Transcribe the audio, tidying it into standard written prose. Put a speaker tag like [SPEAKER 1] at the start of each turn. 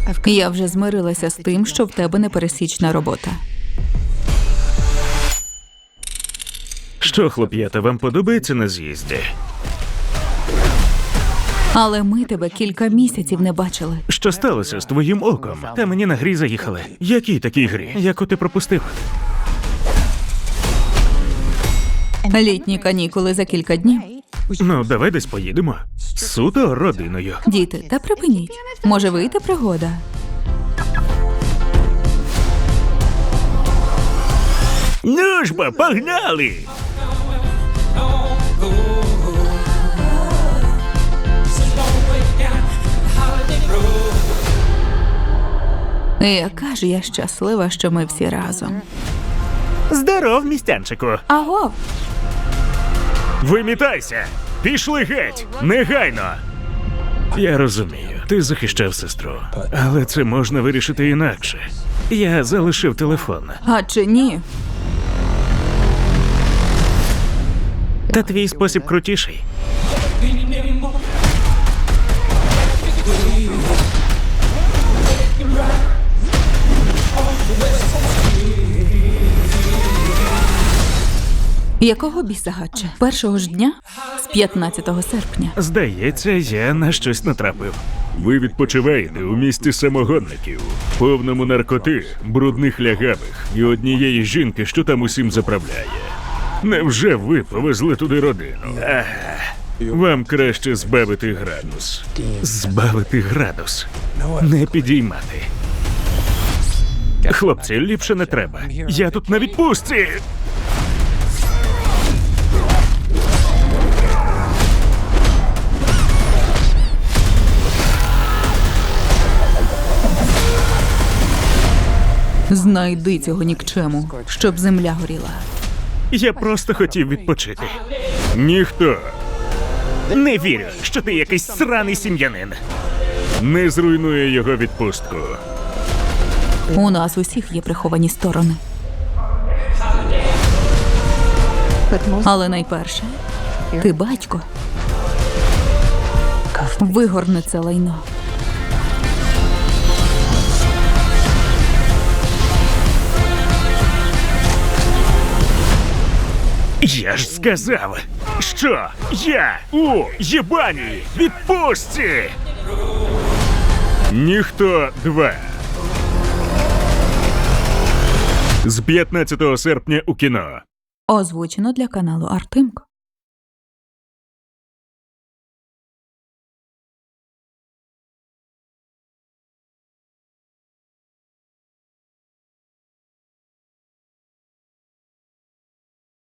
[SPEAKER 1] Я вже змирилася з тим, що в тебе непересічна робота.
[SPEAKER 2] Що, хлоп'ята, вам подобається на з'їзді?
[SPEAKER 1] Але ми тебе кілька місяців не бачили.
[SPEAKER 2] Що сталося з твоїм оком? Та мені на грі заїхали. Якій такій грі? Яку ти пропустив?
[SPEAKER 1] Літні канікули за кілька днів.
[SPEAKER 2] Ну, давай десь поїдемо. Суто родиною.
[SPEAKER 1] Діти, та припиніть. Може вийти пригода?
[SPEAKER 2] Ну ж бо, погнали!
[SPEAKER 1] Яка ж я щаслива, що ми всі разом.
[SPEAKER 2] Здоров, містянчику!
[SPEAKER 1] Аго!
[SPEAKER 2] Вимітайся! Пішли геть! Негайно! Я розумію, ти захищав сестру. Але це можна вирішити інакше. Я залишив телефон.
[SPEAKER 1] А чи ні?
[SPEAKER 2] Та твій спосіб крутіший.
[SPEAKER 1] Якого біса, Гатче? Першого ж дня? З 15 серпня.
[SPEAKER 2] Здається, я на щось натрапив. Ви відпочиваєте у місті самогонників, повному наркоти, брудних лягавих і однієї жінки, що там усім заправляє. Невже ви повезли туди родину? Вам краще збавити градус. Збавити градус. Не підіймати. Хлопці, ліпше не треба. Я тут на відпустці!
[SPEAKER 1] Знайди цього нікчему, щоб земля горіла.
[SPEAKER 2] Я просто хотів відпочити. Ніхто. Не вірю, що ти якийсь сраний сім'янин. Не зруйнує його відпустку.
[SPEAKER 1] У нас усіх є приховані сторони. Але найперше, ти батько. Вигорни це лайно.
[SPEAKER 2] Я ж сказав, що я у єбаній відпустці! Ніхто 2. З 15 серпня у кіно.
[SPEAKER 1] Озвучено для каналу Артемко.